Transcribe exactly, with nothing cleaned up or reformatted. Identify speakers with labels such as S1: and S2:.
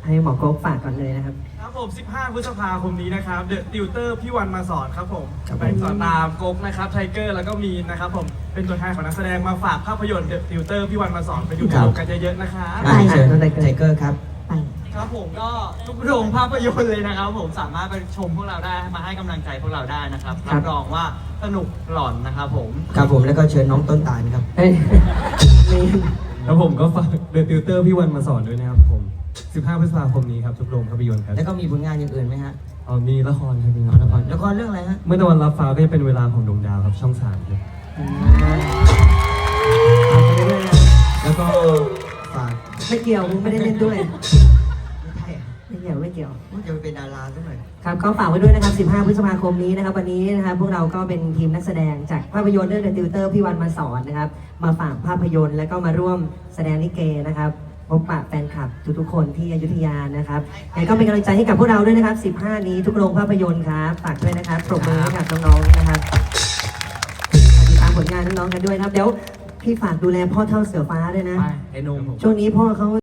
S1: ให้หมอโก๊กฝากก่อนเลยนะครับ
S2: ครับผมสิบห้าพฤษภาคมนี้นะครับเดอะติวเตอร์พี่วันมาสอนครับผมไปสอนตามโก๊กนะครับไทเกอร์แล้วก็มีนนะครับผมเป็นตัวแทนของนักแสดงมาฝากภาพยนตร์เดอะติวเตอร์พี่วันมาสอนไปดูกันเยอะๆนะครับ
S3: ไปเชิญไทเกอร์ครับ
S1: ไป
S4: ครับผมก็ทุกโรงภาพยนตร์เลยนะครับผมสามารถไปชมพวกเราได้มาให้กำลังใจพวกเราได้นะครับรับรองว่าสนุกหลอนนะครับผม
S3: ครับผมแล้วก็เชิญน้องต้นตาลครับ
S1: เฮ้ยมี
S2: แล้วผมก็ฝากเดอะติวเตอร์พี่วันมาสอนด้วยนะครับผมสิบห้าพฤษภาคมนี้ครับทุกโรงภาพยนตร์ครับ
S3: แล้วก็มีผลงานอย่างอื่นไหมฮะ
S2: อ๋อมีละครครับมีละคร
S3: ละครเรื่องอะไรฮะ
S2: เมื่อตะวันรับฟ้าก็จะเป็นเวลาของดวงดาวครับช่องสามครับ
S3: แล้วก็ฝาก
S1: ไม่เกี่ยวมึงไม่ได้เล่นด้วย
S3: ไม่ใช่
S1: ไม่เกี่ยวไม่เกี่ยว
S3: ว่าจะไปเป็นดาราสักหน่อย
S1: ครับก็ฝากไว้ด้วยนะครับสิบห้าพฤษภาคมนี้นะครับวันนี้นะครับพวกเราก็เป็นทีมนักแสดงจากภาพยนตร์เรื่อง The Tutor พี่วันมาสอนนะครับมาฝากภาพยนตร์แล้วก็มาร่วมแสดงลิเกนะครับพบปะแฟนคลับทุกๆคนที่อยุธยานะครับยังไงก็เป็นกำลังใจให้กับพวกเราด้วยนะครับสิบห้านี้ทุกโรงภาพยนตร์ครับฝากด้วยนะครับปรบมือให้กับน้องๆนะครับติดตามผลงานน้องๆกันด้วยนะครับเดี๋ยวพี่ฝากดูแลพ่อเท่าเสือฟ้าด้วยนะ
S2: ไอ้นม
S1: ช่วงนี้พ่อเขา